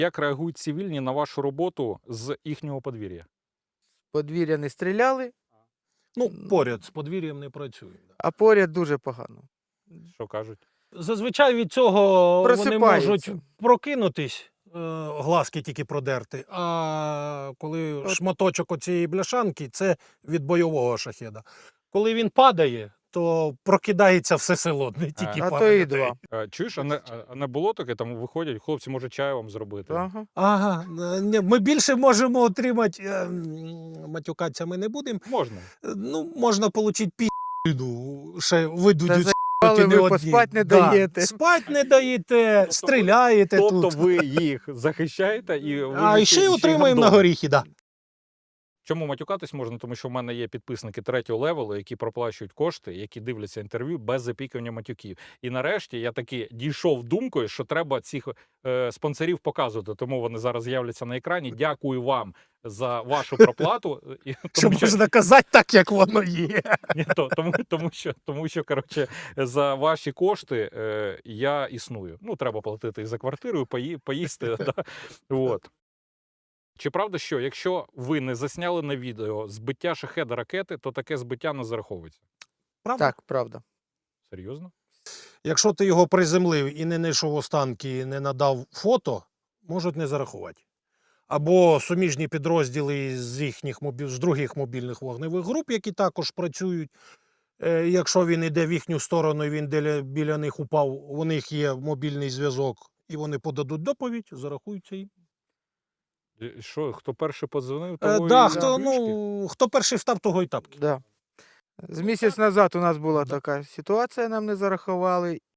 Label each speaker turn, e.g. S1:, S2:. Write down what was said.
S1: Як реагують цивільні на вашу роботу з їхнього подвір'я?
S2: Подвір'я не стріляли,
S3: Ну, поряд з подвір'ям не працює.
S2: а поряд дуже погано.
S1: Що кажуть?
S3: Зазвичай від цього вони
S2: Просипаються.
S3: можуть прокинутись, глазки тільки продерти, а коли шматочок оцієї бляшанки, це від бойового шахеда. Коли він падає, то прокидається все село, не тільки
S2: А
S3: пара
S2: то і
S3: людей.
S2: два.
S1: Чуєш, а не було таке, там виходять, хлопці, може чаю вам зробити?
S2: Ага.
S3: Ага, ми більше можемо отримати, матюкатися ми не будемо,
S1: Можна.
S3: ну, можна отримати пі***ду, ще видудуть.
S2: Але ви поспать не даєте.
S3: Спать не даєте, стріляєте
S1: Тобто
S3: тут.
S1: ви їх захищаєте і ви
S3: А ще й отримуємо на
S1: гандон.
S3: горіхи, да.
S1: Чому матюкатись можна? Тому що в мене є підписники 3-го левелу, які проплачують кошти, які дивляться інтерв'ю без запікування матюків. І нарешті я таки дійшов думкою, що треба цих спонсорів показувати. Тому вони зараз з'являться на екрані. Дякую вам за вашу проплату.
S3: Що можна казати так, як воно є.
S1: Ні, тому що коротше, за ваші кошти я існую. Ну, треба платити і за квартиру, і поїсти. Да? От. Чи правда, що якщо ви не засняли на відео збиття шахеда ракети, то таке збиття не зараховується?
S3: Правда?
S2: Так, правда.
S1: Серйозно?
S3: Якщо ти його приземлив і не знайшов останки, і не надав фото, можуть не зарахувати. Або суміжні підрозділи з других мобільних вогневих груп, які також працюють. Якщо він йде в їхню сторону і він біля них упав, у них є мобільний зв'язок, і вони подадуть доповідь, зарахуються їм.
S1: Що, хто перший подзвонив, того
S3: Да,
S1: і
S3: хто перший встав, того й тапки.
S2: Да. З місяць назад у нас була така ситуація, нам не зарахували.